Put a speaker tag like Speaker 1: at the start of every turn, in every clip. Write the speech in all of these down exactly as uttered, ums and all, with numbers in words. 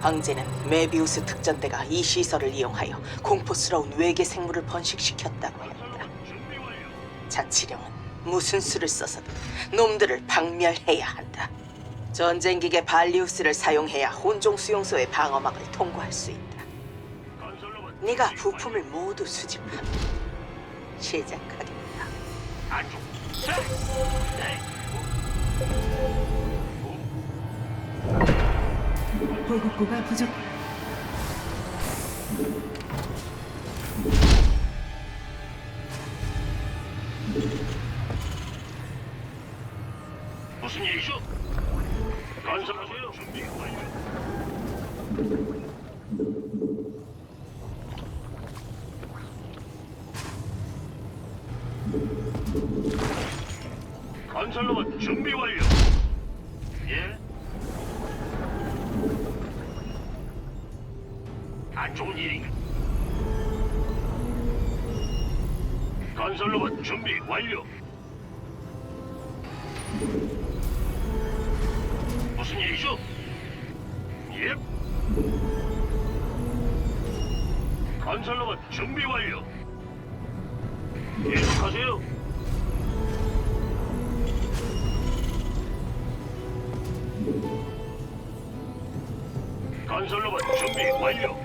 Speaker 1: 황제는 메비우스 특전대가 이 시설을 이용하여 공포스러운 외계 생물을 번식시켰다고 했다. 자치령은 무슨 수를 써서든 놈들을 박멸해야 한다. 전쟁기계 발리우스를 사용해야 혼종 수용소의 방어막을 통과할 수 있다. 네가 부품을 모두 수집하면 시작하겠다.
Speaker 2: 안쪽. 네.
Speaker 3: 보급고가 부족.
Speaker 2: 무슨 일이죠? 건설하세요. 준비 완료. 건설로봇 준비 완료. 예? 안 좋은 일인가? 건설로봇 준비 완료. 무슨 일이죠? 예? 건설로봇 준비 완료. 계속하세요. 건설로봇 준비 완료.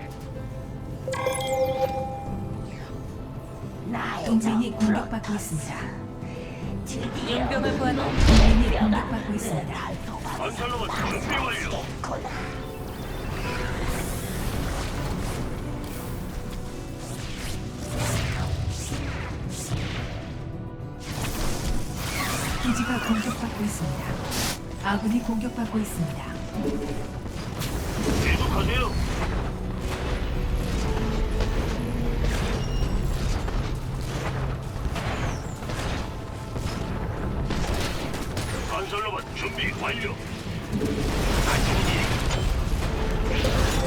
Speaker 3: 동맹이 공격받고 있습니다.
Speaker 4: 용병을 구하는
Speaker 3: 동맹이 공격받고 있습니다.
Speaker 2: 건설로봇 준비 완료.
Speaker 3: 기지가 공격받고 있습니다. 아군이 공격받고 있습니다.
Speaker 2: 계속하세요. 건설로봇 준비 완료. 안 좋은 일.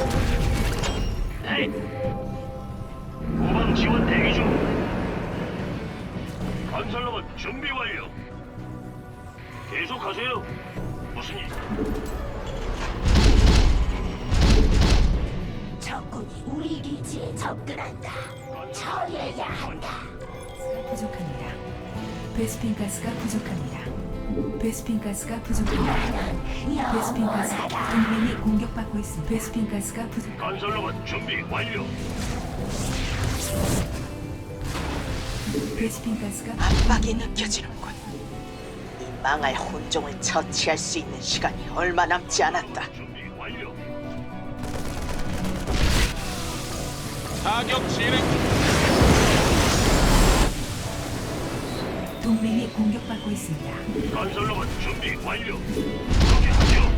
Speaker 2: 네. 후방 지원 대기 중. 건설로봇 준비 완료. 계속하세요. 무슨 일?
Speaker 5: 적군이 우리 기지에 접근한다. 처리해야 한다.
Speaker 3: 부족합니다. 베스핀 가스가 부족합니다. 베스핀 가스가 부족합니다. 베스핀 가스가 동맹이 공격받고 있습니다. 베스핀 가스가 부족.
Speaker 2: 건설로봇 준비 완료.
Speaker 3: 베스핀 가스가
Speaker 1: 압박이 느껴지는군. 이 망할 혼종을 처치할 수 있는 시간이 얼마 남지 않았다.
Speaker 2: 준비 완료.
Speaker 6: 타격 진행 중.
Speaker 3: 동맹이 공격받고 있습니다.
Speaker 2: 건설로봇 준비 완료. 그렇게 하죠.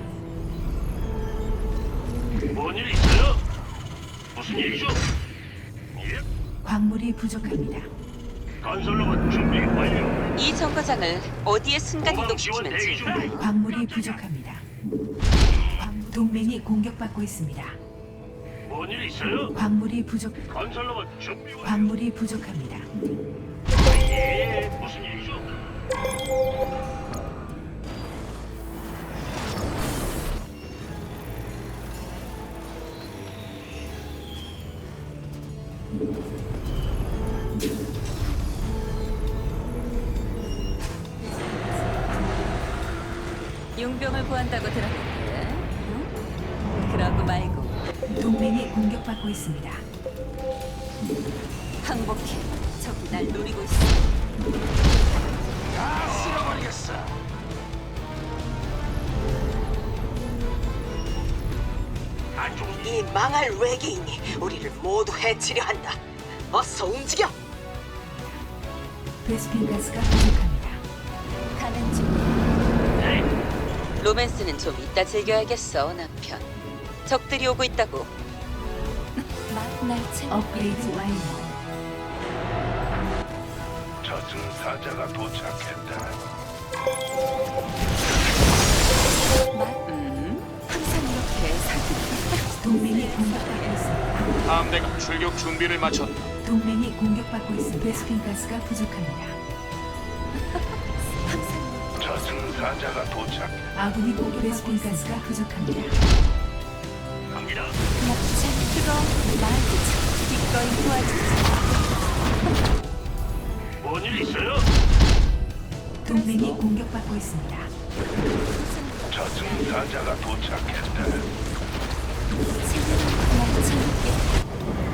Speaker 2: 뭔일 있어요? 무슨 일이죠? 예?
Speaker 3: 광물이 부족합니다.
Speaker 2: 건설로봇 준비 완료.
Speaker 4: 이 정거장을 어디에 순간
Speaker 2: 후방 지원 대기
Speaker 4: 이동시키는지
Speaker 2: 중.
Speaker 3: 광물이 부족합니다. 광- 동맹이 공격받고 있습니다.
Speaker 2: 뭔일 있어요?
Speaker 3: 광물이 부족.
Speaker 2: 건설로봇 준비 완료.
Speaker 3: 광물이 부족합니다.
Speaker 2: 예, 무슨 일이죠?
Speaker 4: 용병을 구한다고 들었는데, 응? 그러고 말고
Speaker 3: 동맹이 공격받고 있습니다.
Speaker 4: 항복해. 적이 날 노리고 있어.
Speaker 2: 다 쓸어버리겠어. 안 좋은 일.
Speaker 1: 이 망할 외계인이 우리를 모두 해치려 한다. 어서 움직여!
Speaker 3: 베스핀 가스가 부족합니다.
Speaker 4: 가는 중.
Speaker 2: 네.
Speaker 4: 로맨스는 좀 이따 즐겨야겠어, 남편. 적들이 오고 있다고. 날 챙겨.
Speaker 3: 업그레이드 완료.
Speaker 2: 저승사자가 도착했다.
Speaker 4: 음, 항상 이렇게 사기.
Speaker 3: 동맹이 공격받고 있습니다.
Speaker 6: 함대가 출격 준비를 마쳤다.
Speaker 3: 동맹이 공격받고 있습니다. 베스핀 가스가 부족합니다.
Speaker 2: 저승사자가 도착.
Speaker 3: 아군이 공격 베스핀 가스가 부족합니다.
Speaker 2: 갑니다.
Speaker 4: 참 그거 말도 참 기꺼이 도와주지.
Speaker 2: 뭔일 있어요?
Speaker 3: 동맹이 공격받고 있습니다.
Speaker 2: 저승사자가 도착했다.
Speaker 4: 날 재밌게.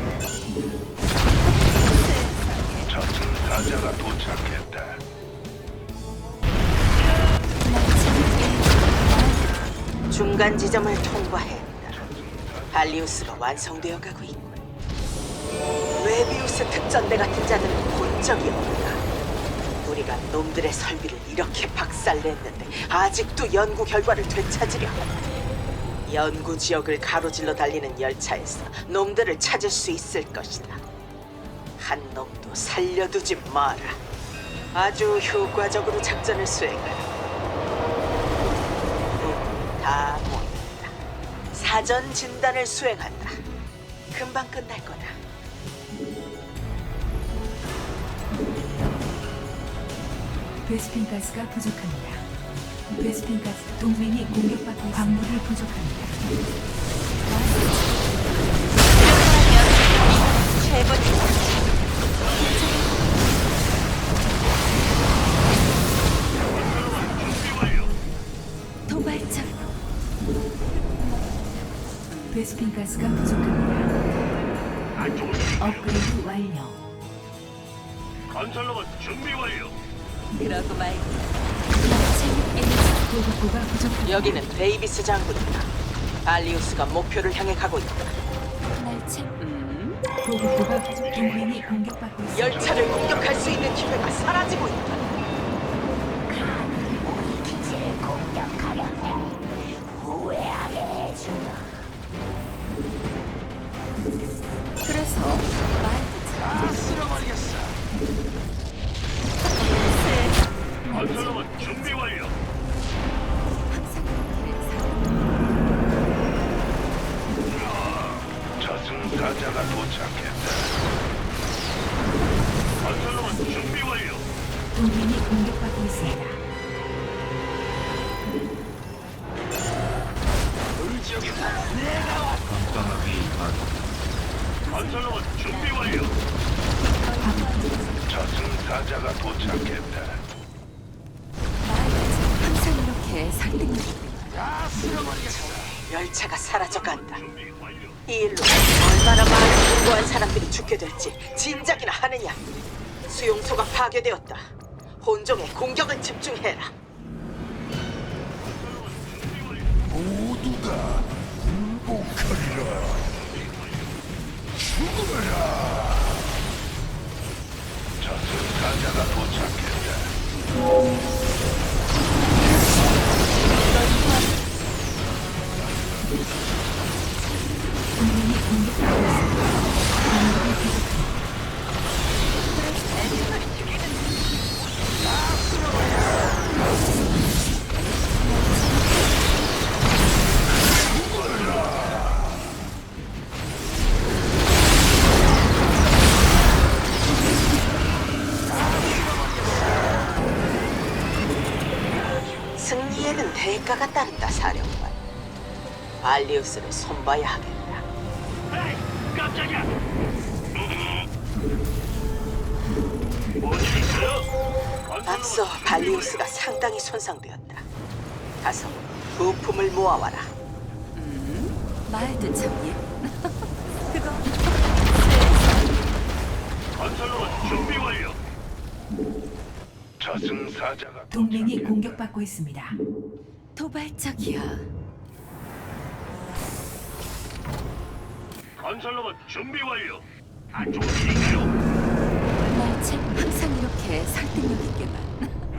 Speaker 2: 저승사자가 도착했다.
Speaker 4: 날 재밌게.
Speaker 1: 중간 지점을 통과했다. 발리우스가 완성되어 가고 있군. 웨비우스 특전대 같은 자는 본 적이 없다. 우리가 놈들의 설비를 이렇게 박살냈는데 아직도 연구 결과를 되찾으려 한다. 연구 지역을 가로질러 달리는 열차에서 놈들을 찾을 수 있을 것이다. 한 놈도 살려두지 마라. 아주 효과적으로 작전을 수행하라. 음, 다 모였다. 사전 진단을 수행한다. 금방 끝날 거다.
Speaker 3: 베스핀 가스가 부족합니다. 베스핀 가스 동맹이 공격받고 있습니다. 광물이 부족합니다.
Speaker 4: 최고. 도발적.
Speaker 3: 베스핀 가스가 부족합니다.
Speaker 2: 안 좋은 일인가요?
Speaker 3: 업그레이드 완료.
Speaker 2: 건설로봇 준비 완료.
Speaker 4: 그러고 말고. 날 재밌게.
Speaker 3: 보급고가 부족합니다.
Speaker 1: 여기는 데이비스 장군이다. 발리우스가 목표를 향해 가고 있다.
Speaker 4: 날 재. 음.
Speaker 3: 보급고가 부족. 동맹이 공격받고 있습니다.
Speaker 1: 열차를 공격할 수 있는 기회가 사라지고 있다.
Speaker 5: 우리 기지를 공격하려면 후회하게 해주마.
Speaker 4: 그래서 말도 참.
Speaker 2: 다 쓸어버리겠어. 건설로봇 준비 완료.
Speaker 4: 항상 그렇게
Speaker 2: 저승사자가 도착했다. 건설로봇 준비 완료.
Speaker 3: 동맹이 공격받고 있습니다.
Speaker 2: 그 지역에서 내가 왔다. 건설로봇 준비 완료. 저승사자가 도착했다.
Speaker 4: 항상 이렇게 설득력.
Speaker 2: 다 쓸어버리겠어.
Speaker 1: 열차가 사라져간다.
Speaker 2: 준비 완료.
Speaker 1: 이 일로 얼마나 많은 무고한 사람들이 죽게 될지 진작이나 하느냐. 수용소가 파괴되었다. 본종의 공격을 집중해라.
Speaker 2: 모두가 굴복하리라. 죽어라. 저승사자가 도착했다.
Speaker 3: 동맹이 공격받고 있습니다.
Speaker 1: 승리에는 대가가 따른다, 사령관. 발리우스를 손봐야 하겠다.
Speaker 2: 에이, 깜짝이야. 뭔일 있어요?
Speaker 1: 앞서 발리우스가 상당히 손상되었다. 가서 부품을 모아와라.
Speaker 4: 말도 참 예. 그거.
Speaker 2: 건설로봇 준비 완료. 저승사자가
Speaker 3: 동맹이
Speaker 2: 도착했다.
Speaker 3: 공격받고 있습니다.
Speaker 4: 도발적이야.
Speaker 2: 건설로봇 준비 완료. 안 좋은 일인가요?
Speaker 4: 날 참 항상 이렇게 설득력 있게만.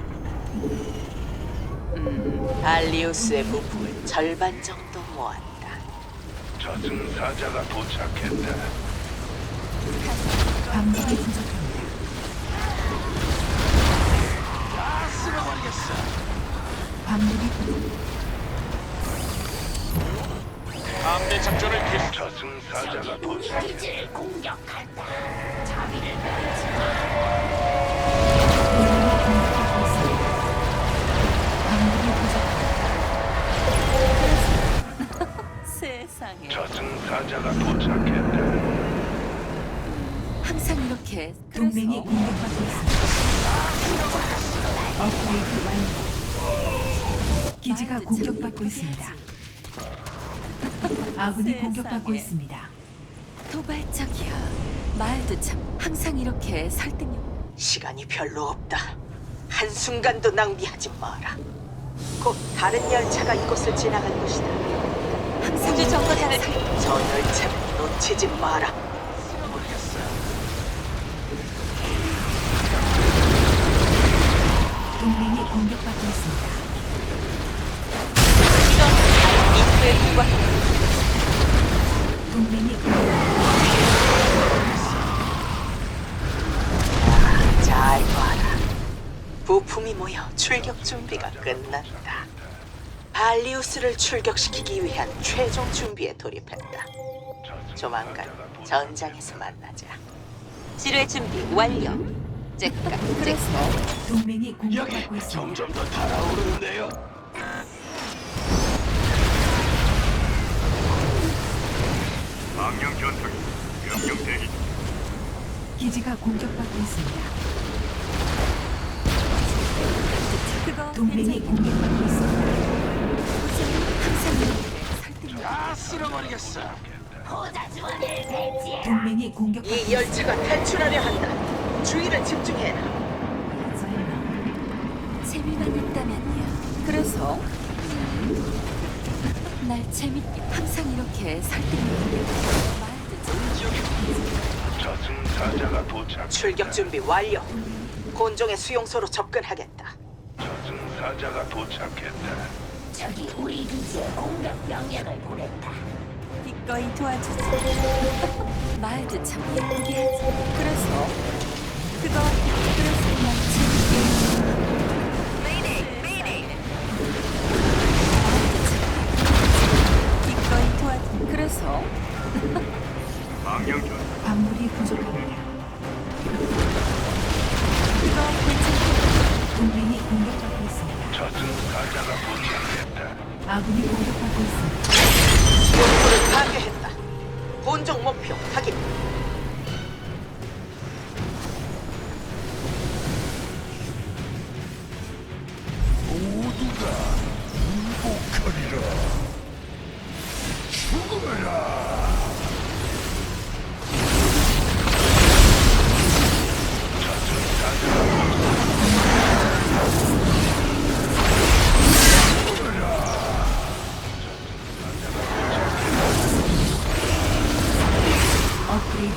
Speaker 1: 발리우스의 부품을 절반 정도 모았다.
Speaker 2: 저승사자가 도착했다.
Speaker 3: 광물이 부족합니다.
Speaker 2: 다 쓸어버리겠어.
Speaker 3: 광물이 부족.
Speaker 6: 함대 작전을 계속.
Speaker 2: 저승사자가
Speaker 5: 우리
Speaker 2: 도착했다.
Speaker 5: 기지를 공격한다. 자비를 베이지
Speaker 3: 동맹이 공격받고 있습니다. 광물이 부족합니다.
Speaker 4: 세상에.
Speaker 2: 저승사자가 도착했다.
Speaker 4: 항상 이렇게.
Speaker 3: 동맹이
Speaker 4: 그래서
Speaker 3: 공격받고 있습니다. 업그레이드 완료. 기지가
Speaker 4: 말도
Speaker 3: 공격받고
Speaker 4: 참
Speaker 3: 있습니다. 아군이
Speaker 4: 세상에.
Speaker 3: 공격받고 있습니다.
Speaker 4: 도발적이야. 말도 참 항상 이렇게 설득력.
Speaker 1: 시간이 별로 없다. 한순간도 낭비하지 마라. 곧 다른 열차가 이곳을 지나갈 것이다.
Speaker 4: 항상 우주 정거장을 살.
Speaker 1: 저 열차를 놓치지 마라.
Speaker 3: 동맹이 공격받고 있습니다.
Speaker 4: 이런 인구에 불과.
Speaker 3: 동맹이 공격받고
Speaker 1: 잘 봐라. 부품이 모여 출격 준비가 끝났다. 발리우스를 출격시키기 위한 최종 준비에 돌입했다. 조만간 전장에서 만나자.
Speaker 4: 지뢰 준비 완료. 잭가. 그래서
Speaker 3: 동맹이 공격받고 있습니다.
Speaker 2: 점점 더 달아오르는데요. 망령 전투기 명령 대기.
Speaker 3: 기지가 공격받고 있습니다.
Speaker 4: 그거
Speaker 3: 동맹이 공격받고 있습니다.
Speaker 4: 항상 이렇게 설득력.
Speaker 2: 다 쓸어버리겠어.
Speaker 5: 보자 주원을 배치해.
Speaker 3: 동맹이 공격받고
Speaker 1: 이
Speaker 3: 있습니다.
Speaker 1: 열차가 탈출하려 한다. 주의를 집중해라.
Speaker 4: 재미만 있다면요. 그래서 음, 날 재밌게 항상 이렇게 설득력. 말도 좀.
Speaker 2: 저승사자가 도착.
Speaker 1: 출격 준비 완료. 곤종의 수용소로 접근하겠다.
Speaker 2: 저승사자가 도착했다.
Speaker 5: 저기 우리 기지에 공격 명령을 보냈다.
Speaker 4: 기꺼이 도와주지. 말도 참 예쁘게 하지. 그래서 그거 그래서 날 재밌게. 기꺼이 도와주. 그래서
Speaker 2: 망령 전투기.
Speaker 3: 광물이 부족합니다.
Speaker 4: 그거 괜찮게.
Speaker 3: 동맹이 공격받고 있습니다.
Speaker 2: 저승사자가 도착했다.
Speaker 3: 아군이 공격받고 있습니다.
Speaker 1: 수용소를 파괴했다. 곤종 목표 확인.
Speaker 2: 모두가 굴복하리라. 죽어라.
Speaker 3: 업그레이드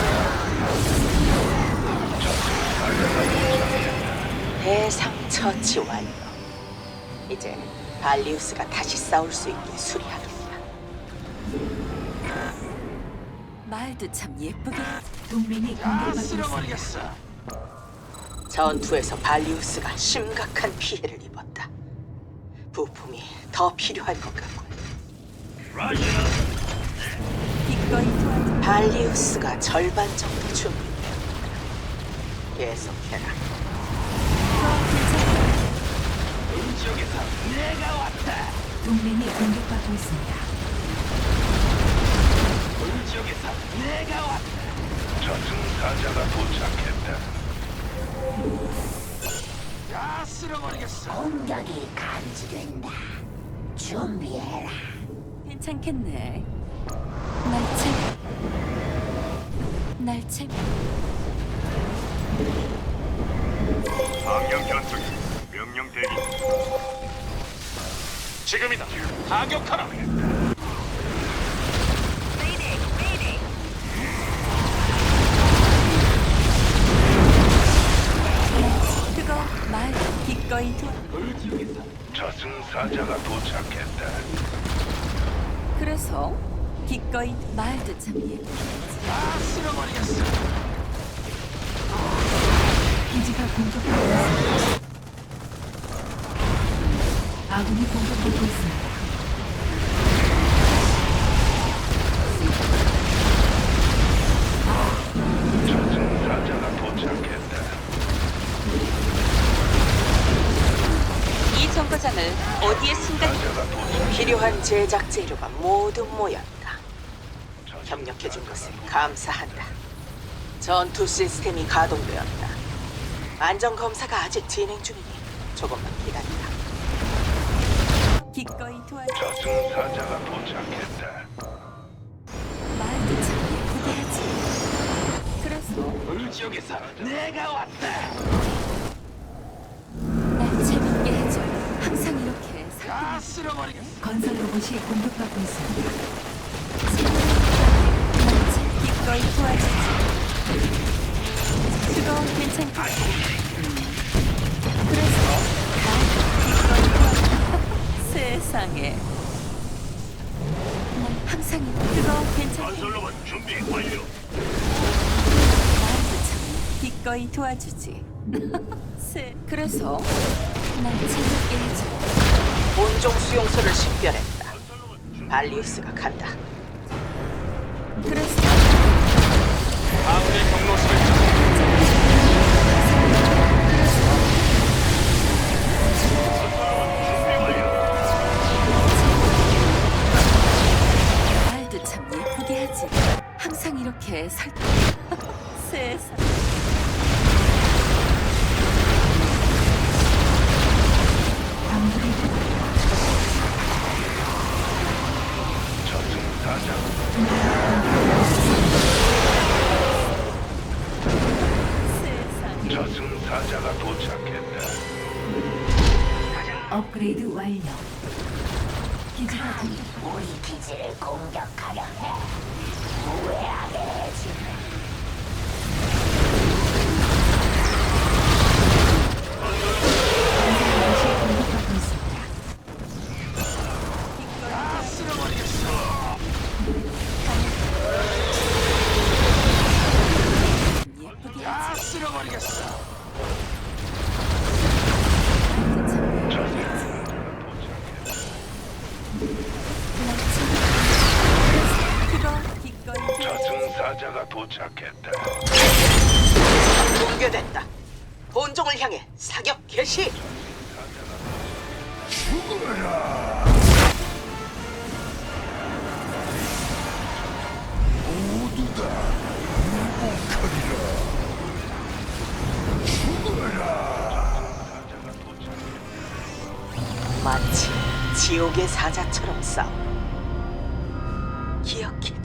Speaker 3: 완료.
Speaker 1: 대상 처치 완료. 이제 발리우스가 다시 싸울 수 있게 수리하겠다.
Speaker 4: 말도 참 예쁘게.
Speaker 3: 동맹이 공격받고 있습니다.
Speaker 1: 전투에서 발리우스가 심각한 피해를 입었다. 부품이 더 필요할 것 같군.
Speaker 2: 라이너.
Speaker 4: 기꺼이 도와주.
Speaker 1: 발리우스가 절반 정도 준비되었다. 계속해라.
Speaker 2: 지역에서 내가 왔다.
Speaker 3: 동맹이 공격받고 있습니다.
Speaker 2: 지역에서 내가 왔다. 저승사자가 도착했다. 다 쓸어버리겠어.
Speaker 5: 공격이 감지된다. 준비해라.
Speaker 4: 괜찮겠네. 날 재미. 날 재미.
Speaker 2: 망령 전투기 명령 대기.
Speaker 6: 지금이다. 타격하라.
Speaker 4: 그거 말 기꺼이 도.
Speaker 2: 저승사자가 도착했다.
Speaker 4: 그래서 기꺼이 말도 참 예쁘게.
Speaker 2: 다 쓸어버리겠어.
Speaker 3: 기지가 공격받고 있습니다. 아군이 공격받고 있습니다.
Speaker 2: 저승사자가 도착했다.
Speaker 4: 이 정거장을 어디에 순간
Speaker 2: 사자가 도착.
Speaker 1: 필요한 제작 재료가 모두 모였다. 협력해준 것에 감사한다. 전투 시스템이 가동되었다. 안전 검사가 아직 진행 중이니 조금만 기다리라.
Speaker 4: 기꺼이 도와줘.
Speaker 2: 저승사자가 도착했다.
Speaker 4: 말도 참 예쁘게 하지. 그래서
Speaker 6: 불지역에서 내가 왔다.
Speaker 4: 날 재밌게 해줘. 항상 이렇게 살.
Speaker 6: 다 쓸어버리겠어.
Speaker 3: 건설 로봇이 공격받고 있습니다.
Speaker 4: 날 기꺼이 도와주지. 그거 괜찮겠지? 그래서 날 기꺼이 도와줘. 세상에. 난 항상 이렇게. 그거 괜찮겠지?
Speaker 2: 건설로봇 준비 완료.
Speaker 4: 나도 참 기꺼이 도와주지. 세. 그래서 날 재밌게 해줘.
Speaker 1: 본종 수용소를 식별했다. 발리우스가 간다.
Speaker 4: 그래서
Speaker 6: 아군의 경로실을 찾아.
Speaker 4: 말도 참 예쁘게 하지. 항상 이렇게 살. 세상.
Speaker 3: 광물이
Speaker 2: 저승사자.
Speaker 4: 세상.
Speaker 2: 저승사자가 도착했다.
Speaker 3: 업그레이드 완료. 기지가 공-
Speaker 5: 우리 기지를 공격하려 해. 후회하게 해주마.
Speaker 3: 건설 로봇이 공격받고 있습니다.
Speaker 6: 다 쓸어버리겠어.
Speaker 4: 예쁘게
Speaker 6: 다
Speaker 4: 하지.
Speaker 6: 쓸어버리겠어.
Speaker 4: 말도 참
Speaker 2: 저승사자가 도착했다.
Speaker 4: 날 재밌게. 그거 기꺼이 도와주지.
Speaker 2: 저승사자가 도착했다.
Speaker 1: 붕괴됐다. 본종을 향해 사격 개시. 마치 지옥의 사자처럼 싸워. 기억해.